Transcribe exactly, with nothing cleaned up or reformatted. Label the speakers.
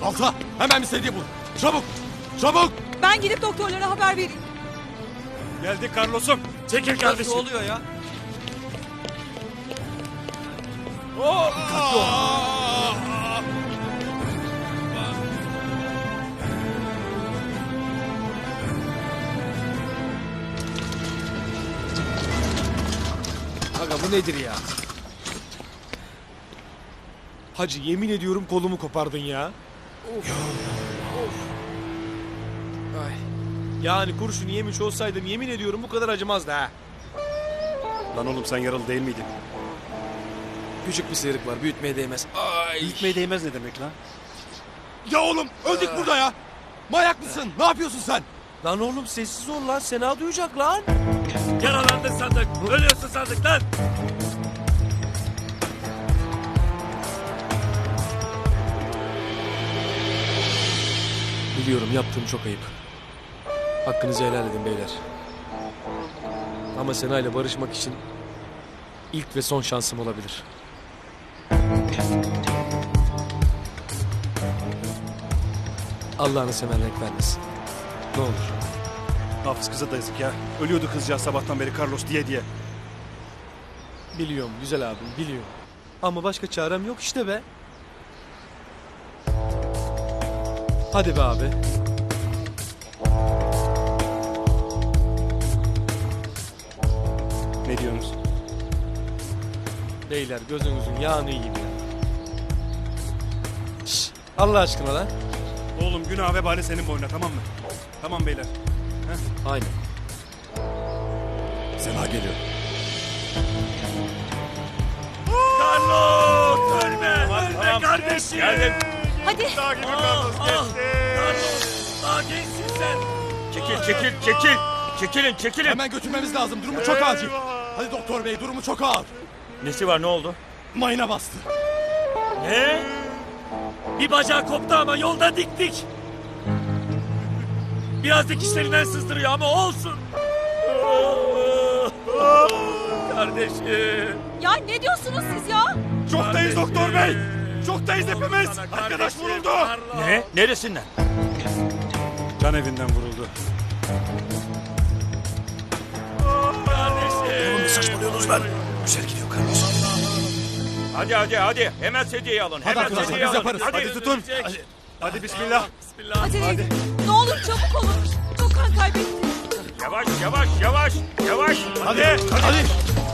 Speaker 1: Balta hemen bir sedye bul. Çabuk. Çabuk.
Speaker 2: Ben gidip doktorlara haber vereyim.
Speaker 3: Geldik Carlos'um. Çekil kardeşim.
Speaker 4: Ne oluyor ya?
Speaker 1: Aga bu nedir ya? Hacı yemin ediyorum kolumu kopardın ya. Of. Of. Ay. Yani kurşunu yemiş olsaydım yemin ediyorum bu kadar acımazdı ha.
Speaker 3: Lan oğlum sen yaralı değil miydin?
Speaker 1: Küçük bir sıyrık var, büyütmeye değmez. Ay.
Speaker 3: Gitmeye değmez ne demek lan?
Speaker 1: Ya oğlum öldük burada ya. Manyak mısın? Ne yapıyorsun sen? Lan oğlum sessiz ol lan. Sena duyacak lan.
Speaker 4: Yaralandın sandık. Ölüyorsun sandık lan.
Speaker 1: Biliyorum yaptığım çok ayıp. Hakkınızı helal edin beyler. Ama Sena ile barışmak için ilk ve son şansım olabilir. Allah'ını seven renk vermesin. Ne olur.
Speaker 3: Hafız kıza da yazık ya. Ölüyordu kızcağız sabahtan beri Carlos diye diye.
Speaker 1: Biliyorum güzel abim biliyorum. Ama başka çarem yok işte be. Hadi be abi.
Speaker 3: Ne diyorsunuz?
Speaker 1: Beyler gözünüzün yağını yiyeyim ya. Şş, Allah aşkına lan.
Speaker 3: Oğlum günah vebali senin boynuna, tamam mı? Tamam beyler.
Speaker 1: Aynen.
Speaker 3: Sena geliyor.
Speaker 4: Carlos ölme. Ölme kardeşim.
Speaker 3: Geldim.
Speaker 2: Hadi.
Speaker 3: Daha gibi
Speaker 4: Ah,
Speaker 3: Carlos
Speaker 4: ah.
Speaker 3: geçti.
Speaker 4: Carlos. Daha gençsin sen. Çekil çekil çekil. Çekilin çekilin.
Speaker 1: Hemen götürmemiz lazım. Durumu çok acil. Hadi doktor bey durumu çok ağır.
Speaker 4: Nesi var ne oldu?
Speaker 1: Mayına bastı.
Speaker 4: Ne? Bir bacağı koptu ama yolda diktik. Biraz dikişlerinden sızdırıyor ama olsun. Kardeşim.
Speaker 2: Ya ne diyorsunuz siz ya?
Speaker 3: Çoktayız doktor bey. Çoktayız hepimiz. Arkadaş vuruldu.
Speaker 4: Ne? Neresinden?
Speaker 3: Can evinden vuruldu.
Speaker 4: Kardeşim.
Speaker 3: Ne saçmalıyorsunuz lan? Güzel gidiyor Carlos.
Speaker 4: Hadi hadi hadi. Hemen sedyeyi alın.
Speaker 1: Hadi
Speaker 4: Hemen
Speaker 1: arkadaşlar,
Speaker 4: sedyeyi
Speaker 1: biz
Speaker 4: alın.
Speaker 1: yaparız.
Speaker 3: Hadi tutun. Hadi, hadi bismillah.
Speaker 4: Bismillah.
Speaker 2: Acele edin. Ne olur çabuk olun. Çok kan kaybetti.
Speaker 4: Yavaş yavaş yavaş. Yavaş.
Speaker 3: Hadi. Hadi.